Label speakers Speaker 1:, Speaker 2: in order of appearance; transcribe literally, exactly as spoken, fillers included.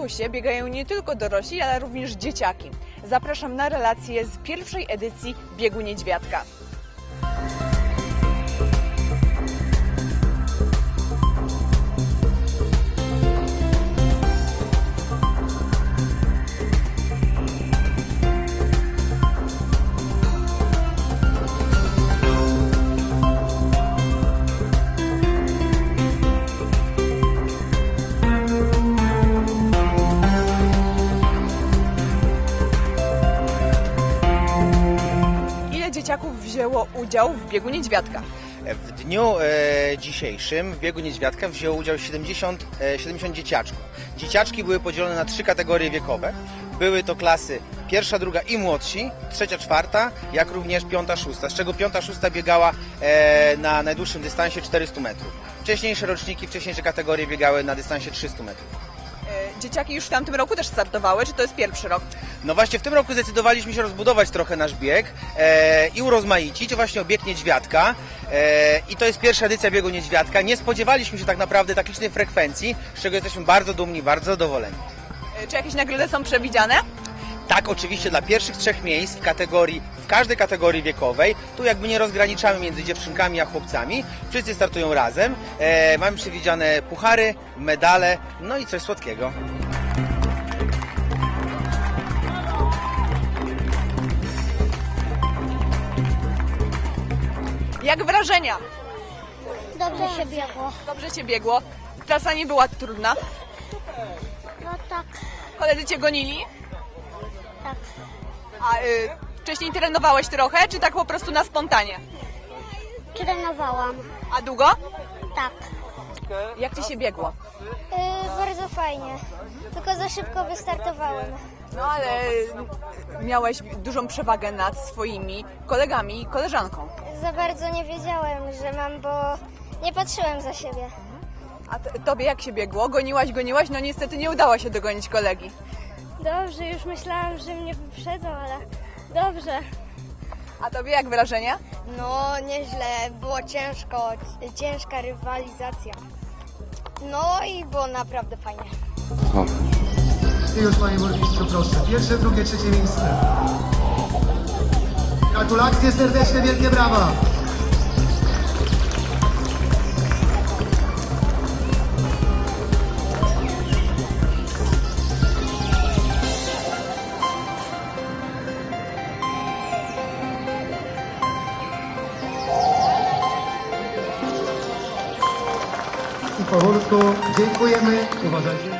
Speaker 1: konkursie biegają nie tylko dorośli, ale również dzieciaki. Zapraszam na relację z pierwszej edycji Biegu Niedźwiadka. Dzieciaków wzięło udział w Biegu Niedźwiadka.
Speaker 2: W dniu e, dzisiejszym w Biegu Niedźwiadka wzięło udział siedemdziesiąt, e, siedemdziesiąt dzieciaczków. Dzieciaczki były podzielone na trzy kategorie wiekowe. Były to klasy pierwsza, druga i młodsi, trzecia, czwarta, jak również piąta, szósta, z czego piąta, szósta biegała e, na najdłuższym dystansie czterysta metrów. Wcześniejsze roczniki, wcześniejsze kategorie biegały na dystansie trzysta metrów.
Speaker 1: Dzieciaki już w tamtym roku też startowały, czy to jest pierwszy rok?
Speaker 2: No właśnie w tym roku zdecydowaliśmy się rozbudować trochę nasz bieg e, i urozmaicić właśnie o bieg Niedźwiadka e, i to jest pierwsza edycja Biegu Niedźwiadka. Nie spodziewaliśmy się tak naprawdę tak licznej frekwencji, z czego jesteśmy bardzo dumni, bardzo zadowoleni.
Speaker 1: Czy jakieś nagrody są przewidziane?
Speaker 2: Tak, oczywiście dla pierwszych trzech miejsc w kategorii, w każdej kategorii wiekowej, tu jakby nie rozgraniczamy między dziewczynkami a chłopcami, wszyscy startują razem, e, mamy przewidziane puchary, medale, no i coś słodkiego.
Speaker 1: Jak wrażenia?
Speaker 3: Dobrze się biegło.
Speaker 1: Dobrze Cię biegło. Trasa nie była trudna.
Speaker 3: No tak,
Speaker 1: Koledzy Cię gonili?
Speaker 3: tak.
Speaker 1: A y, wcześniej trenowałeś trochę, czy tak po prostu na spontanie?
Speaker 3: Trenowałam.
Speaker 1: A długo?
Speaker 3: Tak.
Speaker 1: Jak Ci się biegło?
Speaker 3: Yy, bardzo fajnie. Tylko za szybko wystartowałem.
Speaker 1: No ale miałeś dużą przewagę nad swoimi kolegami i koleżanką.
Speaker 3: Za bardzo nie wiedziałem, że mam, bo nie patrzyłem za siebie.
Speaker 1: A t- Tobie jak się biegło? Goniłaś, goniłaś, no niestety nie udało się dogonić kolegi.
Speaker 3: Dobrze, już myślałam, że mnie wyprzedzą, ale dobrze.
Speaker 1: A Tobie jak wrażenia?
Speaker 3: No nieźle, było ciężko, ciężka rywalizacja. No i było naprawdę fajnie.
Speaker 4: I już panie burmistrzu, proszę. Pierwsze, drugie, trzecie miejsce. Gratulacje serdeczne, wielkie brawa. I powolutku dziękujemy. Uważajcie.